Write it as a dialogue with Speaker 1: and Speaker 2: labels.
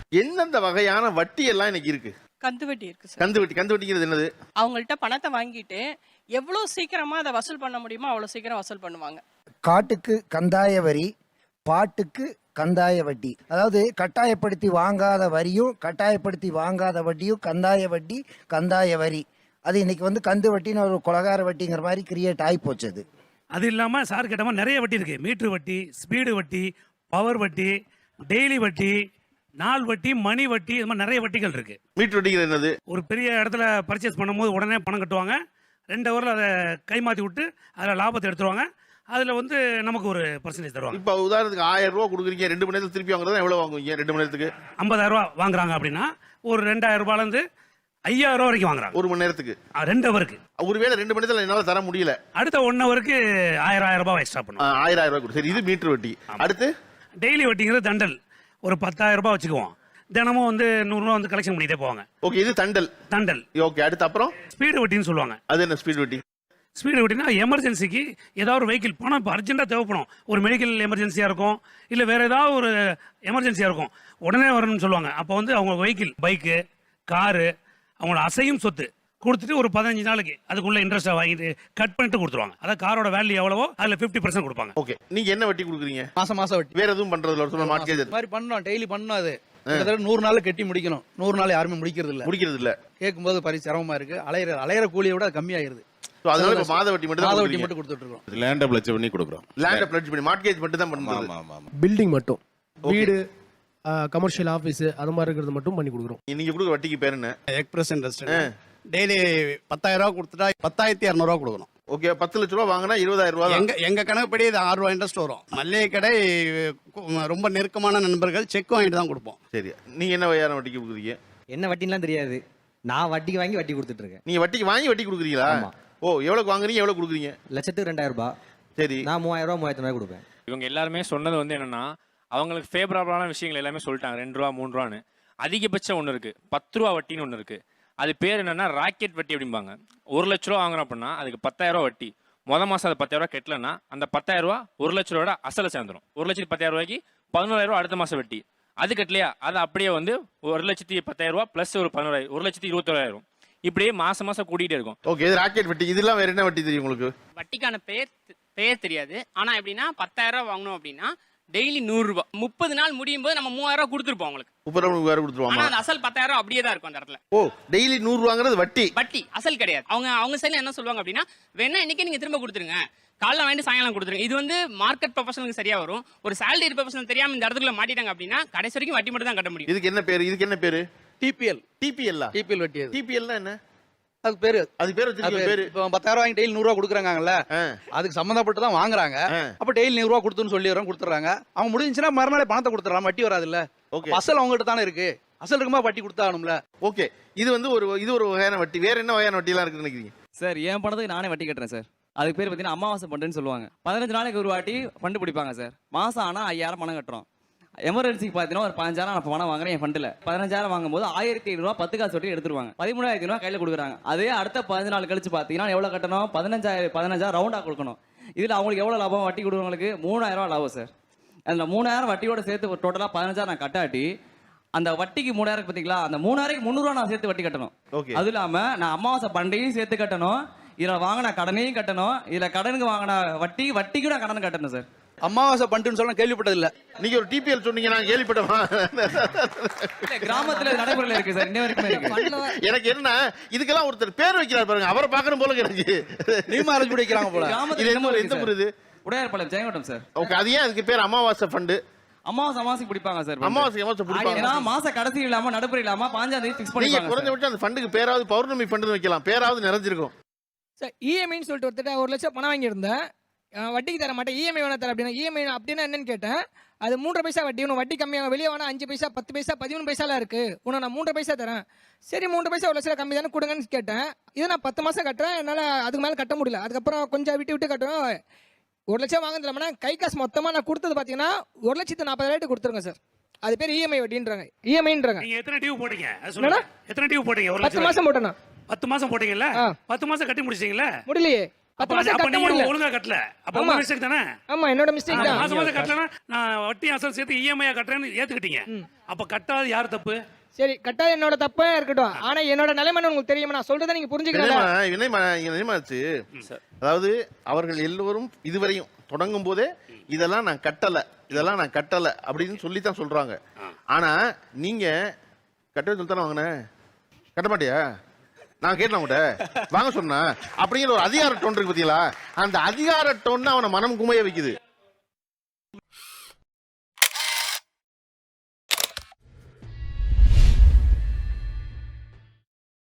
Speaker 1: எந்தெந்த வகையான வட்டி எல்லாம் இன்னைக்கு இருக்கு?
Speaker 2: கந்து வட்டி இருக்கு சார்.
Speaker 1: கந்து வட்டிங்கிறது என்னது?
Speaker 2: அவங்கள்ட்ட பணத்தை வாங்கிட்டு எவ்வளவு சீக்கிரமா அதை வசூல் பண்ண முடியுமோ அவ்வளவு சீக்கிரம் வசூல் பண்ணுவாங்க.
Speaker 3: காட்டுக்கு கந்தாய வரி, பாட்டுக்கு கந்தாய வட்டி. அதாவது கட்டாயப்படுத்தி வாங்காத வரியும் கட்டாயப்படுத்தி வாங்காத வட்டியும் கந்தாய வட்டி, கந்தாய வரி. அது இன்னைக்கு வந்து கந்து வட்டின்னு ஒரு கொலகார வட்டிங்கிற மாதிரி கிரியேட் ஆகி போச்சு. அது
Speaker 4: அது இல்லாமல் சார் கேட்ட மாதிரி நிறைய வட்டி இருக்குது. மீட்ரு வட்டி, ஸ்பீடு வட்டி, பவர் வட்டி, டெய்லி வட்டி, நாள் வட்டி, மணி வட்டி, இது மாதிரி நிறைய வட்டிகள் இருக்குது.
Speaker 1: மீட்டர் வட்டிங்கிறது என்னது?
Speaker 4: ஒரு பெரிய இடத்துல பர்ச்சேஸ் பண்ணும்போது உடனே பணம் கட்டுவாங்க, 2 ஹவரில் அதை கைமாற்றி விட்டு அதில் லாபத்தை எடுத்துருவாங்க. அதில் வந்து நமக்கு ஒரு பர்சன்டேஜ் தருவாங்க.
Speaker 1: இப்போ உதாரணத்துக்கு 1000 ரூபா கொடுக்குறீங்க, 2 மணி நேரத்துக்கு திருப்பி வாங்குறதா எவ்வளோ வாங்குவீங்க? 2 மணி நேரத்துக்கு
Speaker 4: 50,000 ரூபா வாங்குறாங்க அப்படின்னா ஒரு 2,000 ரூபாயிலேருந்து 5,000 ரூபா வரைக்கும் வாங்குறாங்க
Speaker 1: 1 மணி நேரத்துக்கு.
Speaker 4: 2 ஹவருக்கு.
Speaker 1: ஒருவேளை 2 மணி நேரத்தில் என்னால் தர முடியல,
Speaker 4: அடுத்த 1 ஹவருக்கு 1000 ரூபாய் எக்ஸ்ட்ரா பண்ணுவோம்.
Speaker 1: 1000 ரூபாய் கொடு. சரி, இது மீட்டர் வட்டி. அடுத்து
Speaker 4: டெய்லி வட்டிங்கிறது தண்டல். ஒரு 10,000 ரூபாய் வச்சுக்குவோம், தினமும் வந்து 100 ரூபா வந்து கலெக்ஷன் பண்ணிட்டே போவாங்க.
Speaker 1: ஓகே, இது தண்டல். ஓகே, அடுத்து அப்புறம்
Speaker 4: ஸ்பீடு வட்டின்னு சொல்லுவாங்க.
Speaker 1: அது என்ன ஸ்பீடு வட்டி?
Speaker 4: ஸ்பீடு வட்டினா எமர்ஜென்சிக்கு ஏதாவது ஒரு வெஹிக்கிள் பணம் இப்போ அர்ஜென்ட்டாக தேவைப்படும். ஒரு மெடிக்கல் எமர்ஜென்சியாக இருக்கும், இல்லை வேறு ஏதாவது ஒரு எமர்ஜென்சியாக இருக்கும், உடனே வரணும்னு சொல்லுவாங்க. அப்போ வந்து அவங்க வெஹிக்கிள், பைக்கு, காரு, அவங்களோட அசையும் சொத்து கொடுத்துட்டு ஒரு 15 நாளைக்கு அதுக்குள்ள இன்ட்ரெஸ்ட்டை வாங்கிட்டு கட் பண்ணிட்டு கொடுத்துருவாங்க. அதாவது காரோட வேல்யூ எவ்வளவோ அதில் 50% கொடுப்பாங்க.
Speaker 1: ஓகே, நீங்க என்ன வட்டி கொடுக்குறீங்க?
Speaker 5: மாசம் வட்டி.
Speaker 1: வேற எதுவும் பண்றதுல ஒரு மார்க்கெட்
Speaker 5: இது மாதிரி பண்ணோம், டெய்லி பண்ணோம். அது கிட்டத்தட்ட 100 நாள் கட்டி முடிக்கணும். 100 நாள் யாருமே முடிக்கிறது இல்ல. கேட்கும்போது பரி சிரமமா இருக்கு. அலையிற கூலியை விட கம்மியாயிருது.
Speaker 1: அதனால இப்ப மாத வட்டி மட்டும்
Speaker 5: கொடுத்துட்டு இருக்கோம்.
Speaker 6: லேண்ட பிளட்ஜ் பண்ணி கொடுக்குறோம்.
Speaker 1: லேண்ட பிளட்ஜ் பண்ணி மார்க்கெட் மட்டும் தான் பண்ணுவோம்.
Speaker 7: பில்டிங் மட்டும், வீடு, கமர்ஷியல் ஆபீஸ் அது மாதிரி இருக்கிறது மட்டும் பண்ணி கொடுக்குறோம்.
Speaker 1: நீங்க கொடுக்குற வட்டிக்கு பேர் என்ன?
Speaker 8: Express interest. டெய்லி 10,000 ரூபா கொடுத்துட்டா 10,200 ரூபா கொடுக்கணும்.
Speaker 1: ஓகே, 10 லட்ச ரூபா வாங்கினா 20,000 ரூபா.
Speaker 8: எங்க கணக்குப்படி இது 6 ரூபா இன்ட்ரெஸ்ட் வரும். மல்லிகை கடை ரொம்ப நெருக்கமான நண்பர்கள் செக் வாங்கிட்டு தான் கொடுப்போம்.
Speaker 1: சரி, நீங்க என்ன வகையான வட்டிக்கு கொடுக்குறீங்க?
Speaker 9: என்ன வட்டின்லாம் தெரியாது. நான் வட்டிக்கு வாங்கி வட்டி கொடுத்துட்டு இருக்கேன்.
Speaker 1: நீங்க வட்டிக்கு வாங்கி வட்டி கொடுக்குறீங்களா? ஓ, எவ்வளவு வாங்குறீங்க, எவ்வளவு கொடுக்குறீங்க?
Speaker 9: லட்சத்துக்கு 2,000 ரூபாய்.
Speaker 1: சரி,
Speaker 9: நான் 3,000 ரூபாய் 3,000 ரூபாய் கொடுப்பேன்.
Speaker 10: இவங்க எல்லாருமே சொன்னது வந்து என்னன்னா, அவங்களுக்கு ஃபேவரபிளான விஷயங்கள் எல்லாமே சொல்லிட்டாங்க. 2 ரூபா 3 ரூபான்னு. அதிகபட்சம் ஒன்று இருக்கு, 10 ரூபா வட்டின்னு ஒன்று இருக்கு. அது பேர் என்னன்னா ராக்கெட் வட்டி அப்படிம்பாங்க. 1 லட்ச ரூபா வாங்குறோம் அப்படின்னா அதுக்கு 10,000 ரூபா வட்டி. மாசம் அது 10,000 ரூபா கட்டலன்னா அந்த 10,000 ரூபா 1 லட்ச ரூபாயோட அசல சேர்ந்துடும். 1,10,000 ரூபாய்க்கு 11,000 ரூபா அடுத்த மாசம் வட்டி. அது கட்டலையா அது அப்படியே வந்து 1,10,000 ரூபா பிளஸ் ஒரு 11,000, 1,21,000. இப்படியே மாசம் கூட்டிகிட்டே இருக்கும்.
Speaker 1: ஓகே, இது ராக்கெட் வட்டி. இதெல்லாம் வேற என்ன வட்டி தெரியும் உங்களுக்கு?
Speaker 11: வட்டிக்கான பேர் தெரியாது. ஆனா எப்படின்னா 10,000 ரூபா வாங்கணும் அப்படின்னா டெய்லி 100 ரூபாய். 30 நாள் முடியும் போது நம்ம 3,000 ரூபாய் கொடுத்துருப்போம் அவங்களுக்கு.
Speaker 1: 30,000 கொடுத்துருவாங்க.
Speaker 11: ஆனா அந்த அசல் 10,000 ரூபாய் அப்படியே தான் இருக்கும் அந்த இடத்துல.
Speaker 1: ஓ, டெய்லி 100 வாங்குறது வட்டி,
Speaker 11: அசல் கிடையாது. அவங்க சைடுல என்ன சொல்லுவாங்க அப்படின்னா, வேணா இன்னைக்கு நீங்க திரும்ப கொடுத்துருங்க, காலைல வாங்கிட்டு சாயங்காலம் கொடுத்துருங்க. இது வந்து மார்க்கெட் ப்ரொஃபஷனலுக்கு சரியா வரும். ஒரு சேலரி ப்ரொஃபஷனல் தெரியாம இந்த இடத்துக்குள்ள மாட்டிட்டாங்க அப்படின்னா கடைசி வரைக்கும் வட்டி மட்டும் தான் கட்ட முடியும்.
Speaker 1: இதுக்கு என்ன பேரு?
Speaker 5: டிபிஎல் வட்டி.
Speaker 1: டிபிஎல் என்ன?
Speaker 5: அது பேரு
Speaker 1: வச்சிருக்க பேரு.
Speaker 5: இப்போ 10,000 வாங்கி டெய்லி 100 ரூபா கொடுக்குறாங்கல்ல, அதுக்கு சம்பந்தப்பட்டு தான் வாங்குறாங்க. அப்ப டெய்லி 100 ரூபா கொடுத்துன்னு சொல்லிடுறோம், கொடுத்துறாங்க. அவங்க முடிஞ்சுன்னா மறுநாளே பணத்தை கொடுத்துறாங்க, வட்டி வராது இல்ல. அசல் அவங்ககிட்ட தானே இருக்கு. அசல் இருக்குமா வட்டி கொடுத்தாகணும்ல.
Speaker 1: ஓகே, இது வந்து ஒரு வகையான வட்டி. வேற என்ன வகையான வட்டி எல்லாம் இருக்குன்னு நினைக்கிறீங்க?
Speaker 9: சார், என் பணத்துக்கு நானே வட்டி கட்டுறேன் சார். அதுக்கு பேர் பார்த்தீங்கன்னா அமாவாசை ஃபண்டுன்னு சொல்லுவாங்க. 15 நாளைக்கு ஒரு வாட்டி ஃபண்டு பிடிப்பாங்க சார். மாசம் ஆனால் 5,000 பணம் கட்டுறோம். எமர்ஜென்சிக்கு பார்த்தீங்கன்னா ஒரு 5,000 நான் பணம் வாங்குறேன் என் ஃபண்டில். 15,000 வாங்கும்போது 1,500 ரூபா 10 காசு வட்டி எடுத்துருவாங்க. 13,000 ரூபா கையில் கொடுக்குறாங்க. அதே அடுத்த 15 நாள் கழிச்சு பார்த்தீங்கன்னா எவ்வளோ கட்டணும்? 15,000 ரவுண்டாக கொடுக்கணும். இதில் அவங்களுக்கு எவ்வளோ லாபம்? வட்டி கொடுக்குறவங்களுக்கு 3,000 ரூபா லாபம் சார். அதில் 3,000 வட்டியோட சேர்த்து டோட்டலாக 15,000 நான் கட்டாட்டி அந்த வட்டிக்கு 3,000 பார்த்தீங்களா, அந்த 3,000க்கு 300 ரூபா நான் சேர்த்து வட்டி கட்டணும். அது இல்லாமல் நான் அமாவாசை பண்டையும் சேர்த்து கட்டணும், இதில் வாங்கின கடனையும் கட்டணும், இதில் கடனுக்கு வாங்கின வட்டிக்கு நான் கடன் கட்டணும் சார்.
Speaker 5: அமாவாசை பண்டுன்னு சொல்ல கேள்விப்பட்டது இல்ல.
Speaker 1: நீங்க ஒரு டிபிஎல் சொன்னீங்க, நான் கேள்விப்பட்டேன்.
Speaker 9: கிராமத்துல நடைமுறையில் இருக்கு சார், இன்ன வரைக்கும் இருக்கு.
Speaker 1: எனக்கு என்ன, இதுக்கெல்லாம் ஒருத்தர் பேர் வைக்கிறார் பாருங்க, அவரை பார்க்கணும் போல எனக்கு.
Speaker 5: நீமா அரேஞ்ச் பண்ணி வைக்கிறாங்க போல.
Speaker 1: எந்த ஊர் இது?
Speaker 9: உடையார்பாளையம், ஜெயங்கொண்டம் சார்.
Speaker 1: ஓகே, அது ஏன் அதுக்கு பேர் அமாவாசை ஃபண்டு?
Speaker 9: அமாவாசை பிடிப்பாங்க சார்.
Speaker 1: அமாவாசை பிடிப்பாங்க.
Speaker 9: ஏன்னா மாச கடைசி இல்லாம நடுப்புற இல்லாம 5ஆம் தேதி ஃபிக்ஸ் பண்ணிப்பாங்க.
Speaker 1: குறைஞ்சபட்சம் அந்த ஃபண்டுக்கு பேராவது பௌர்ணமி ஃபண்டு வைக்கலாம், பேராவது நிறைஞ்சிருக்கும்.
Speaker 12: சார், இஎம்ஐன்னு சொல்லிட்டு ஒருத்தர் 1 லட்சம் பணம் வாங்கியிருந்தேன், வட்டிக்கு தர மாட்டேன், இஎம்ஐ வேணா தர அப்படின்னா. இஎம்ஐ அப்படின்னா என்னன்னு கேட்டேன். அது 3 பைசா வட்டி. உனக்கு வட்டி கம்மியாக வெளியே வேணா 5 பைசா 10 பைசா 13 பைசாலாம் இருக்கு, உனக்கு நான் 3 பைசா தரேன். சரி, 3 பைசா 1 லட்சம் கம்மி தானே கொடுங்கன்னு கேட்டேன். இதை நான் 10 மாசம் கட்டுறேன், என்னால் அதுக்கு மேலே கட்ட முடியல. அதுக்கப்புறம் கொஞ்சம் விட்டு கட்டுறோம். 1 லட்சம் வாங்குறதுல கை காசு மொத்தமாக நான் கொடுத்தது பார்த்தீங்கன்னா 1,40,000 கொடுத்துருங்க சார். அது பேர் இஎம்ஐ வட்டின்றாங்க, இஎம்ஐன்றாங்க.
Speaker 4: நீங்க எத்தனை டியூ போட்டீங்க? எத்தனை டியூ போட்டீங்க?
Speaker 12: 10 மாசம் போட்டேன்னா.
Speaker 4: 10 மாசம் போட்டீங்கல்ல, 10 மாசம் கட்டி முடிச்சிட்டீங்களா?
Speaker 12: முடியலையே. 10 மாசம்
Speaker 4: அப்ப
Speaker 12: கட்ட
Speaker 4: நீங்க
Speaker 12: முடியல.
Speaker 4: ஒழுங்கா கட்டல. அப்ப
Speaker 12: ஆமா.
Speaker 4: உங்க மிஸ்டேக் தானே?
Speaker 12: ஆமா என்னோட மிஸ்டேக் தான்.
Speaker 4: மாசம் மாசம் கட்டலனா நான் வட்டி அசல் சேர்த்து இஎம்ஐ கட்டுறேன்னு ஏத்துக்கிட்டீங்க. அப்ப கட்டாத யார் தப்பு?
Speaker 12: சரி கட்டாத என்னோட தப்பா இருக்கட்டும். ஆனா என்னோட நிலைமை உங்களுக்கு தெரியுமா? நான் சொல்றதை நீங்க புரிஞ்சுக்கணும்.
Speaker 1: அதாவது அவர்கள் எல்லோரும் இதுவரையும் தொடங்கும் போதே இதெல்லாம் நான் கட்டல அப்படின்னு சொல்லி தான் சொல்றாங்க. ஆனா நீங்க கட்டவே சொல்லித்தானே வாங்கின, கட்ட மாட்டியா? நான் கேட்டேன் உங்கள்கிட்ட வாங்க சொன்னா அப்படிங்கிற ஒரு அதிகார டோன் இருக்கு பார்த்தீங்களா? அந்த அதிகார டோன் அவனை மனம் குமைய வைக்குது.